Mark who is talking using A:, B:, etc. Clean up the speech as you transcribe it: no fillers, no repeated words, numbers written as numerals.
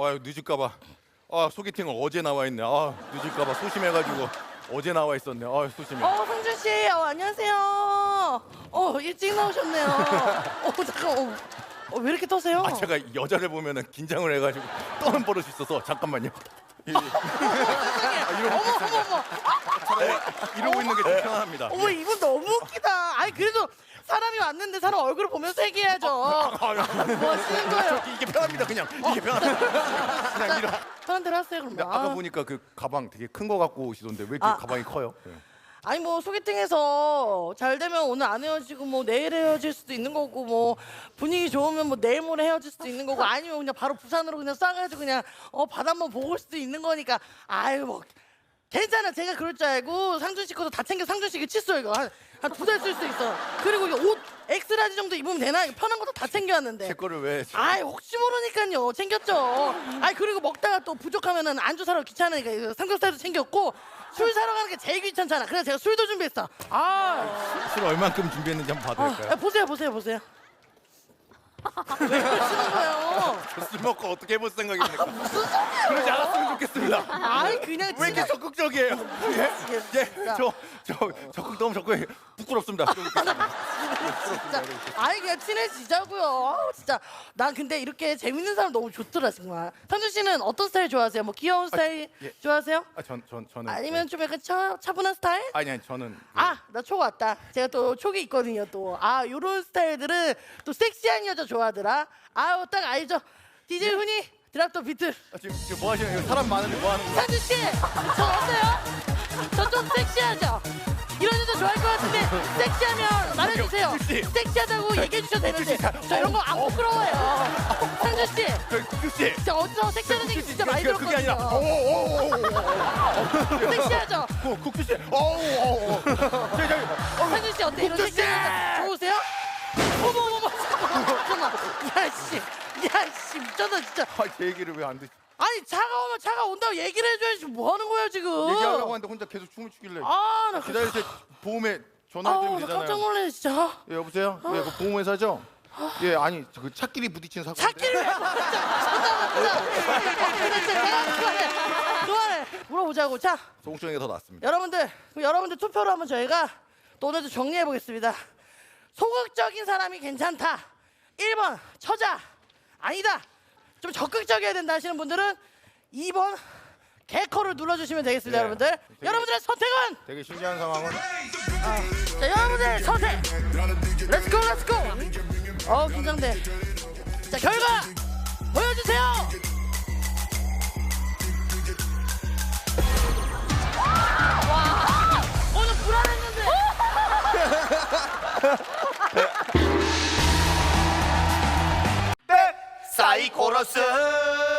A: 늦을까봐. 소개팅을 어제 나와 있네. 늦을까봐 소심해가지고 어제 나와 있었네. 소심해.
B: 성준 씨, 안녕하세요. 일찍 나오셨네요. 잠깐, 왜 이렇게 떠세요?
A: 제가 여자를 보면은 긴장을 해가지고 떠는 버릇이 있어서 잠깐만요.
B: 어머.
A: 이러고 있는 게 좀 편합니다.
B: 어머, 이분 너무 웃기다. 아니 그래도 사람이 왔는데 사람 얼굴을 보면서 얘기해야죠. 뭐 하시는 거예요?
A: 이게 편합니다. 그냥 이게 편합니다. 그냥 이러.
B: 편한 대로 하세요 그럼.
A: 아까 보니까 그 가방 되게 큰 거 갖고 오시던데 왜 이렇게 가방이 커요? 네.
B: 아니 뭐 소개팅에서 잘 되면 오늘 안 헤어지고 뭐 내일 헤어질 수도 있는 거고 뭐 분위기 좋으면 뭐 내일 모레 헤어질 수도 있는 거고 아니면 그냥 바로 부산으로 그냥 싸가지고 그냥 바다 한번 보고 올 수도 있는 거니까 아유 뭐 괜찮아. 제가 그럴 줄 알고 상준 씨 것도 다 챙겨. 상준 씨 이거 칫솔 이거 한 2달 쓸 수 있어. 그리고 이거 옷 엑스라지 정도 입으면 되나? 이거 편한 것도 다 챙겨왔는데.
A: 제 거를 왜?
B: 아이 혹시 모르니까요. 챙겼죠. 아이 그리고 먹다가 또 부족하면은 안주 사러 귀찮으니까 이거 삼겹살도 챙겼고 술 사러 가는 게 제일 귀찮잖아. 그래서 제가 술도 준비했어.
A: 술 얼만큼 준비했는지 한번 봐도 될까요?
B: 보세요. 왜 그러시는 거예요?
A: 술 먹고 어떻게 해볼 생각입니까?
B: 무슨 소리예요?
A: 그러지 않았으면 좋겠습니다.
B: 아이 그냥
A: 왜 이렇게 적극적이에요? 적극 너무 적극 부끄럽습니다.
B: 진짜 아이 그냥 친해지자고요. 아우, 진짜 난 근데 이렇게 재밌는 사람 너무 좋더라 정말. 상준 씨는 어떤 스타일 좋아하세요? 뭐 귀여운 스타일 좋아하세요?
A: 저는
B: 아니면 좀 약간 차분한 스타일?
A: 아니 저는
B: 나 촉 왔다. 제가 또 촉이 있거든요 또. 요런 스타일들은 또 섹시한 여자 좋아하더라. 딱 알죠. DJ 훈이 드랍더 비트.
A: 지금 뭐 하시는 거예요? 사람 많은데 뭐 하는 거예요?
B: 상준 씨, 저 어때요? 저 좀 섹시하죠? 이런 여자 좋아할 것 같은데 섹시하면 말해주세요.
A: 국수 씨.
B: 섹시하다고 얘기해 주셔도 되는데 저 이런 거 안 부끄러워요. 상준 씨,
A: 국수 씨.
B: 진짜 어디서 섹시하는 얘기 진짜 많이
A: 그게 아니라
B: 들었거든요. 섹시하죠?
A: 국수 씨.
B: 상준 씨 어때? 이런 섹시한 여자 좋으세요? 어머 잠깐만. 야씨 미쳤다 진짜.
A: 제 얘기를 왜 안 듣지?
B: 아니 차가 온다고 얘기를 해줘야지 뭐 하는 거야 지금?
A: 얘기하려고 하는데 혼자 계속 춤을 추길래.
B: 나
A: 기다리세요. 보험에 전화드리면
B: 나
A: 되잖아요.
B: 깜짝 놀래 진짜.
A: 예, 여보세요? 예, 그 보험회사죠? 예, 아니 그 차끼리 부딪힌 사고.
B: 찾기를 왜 그만해. 물어보자고. 자,
A: 송정이가 더 낫습니다.
B: 여러분들 투표로 한번 저희가 또 오늘도 정리해 보겠습니다. 소극적인 사람이 괜찮다. 1번 처자. 아니다. 좀 적극적이어야 된다 하시는 분들은 2번 개커를 눌러주시면 되겠습니다.
A: 예.
B: 여러분들. 여러분들의 선택은?
A: 되게 신기한 상황은
B: 자, 여러분들의 선택. 렛츠고. 긴장돼. 자, 결과 보여주세요. 와, 오늘 불안했는데.
A: 사이코러스.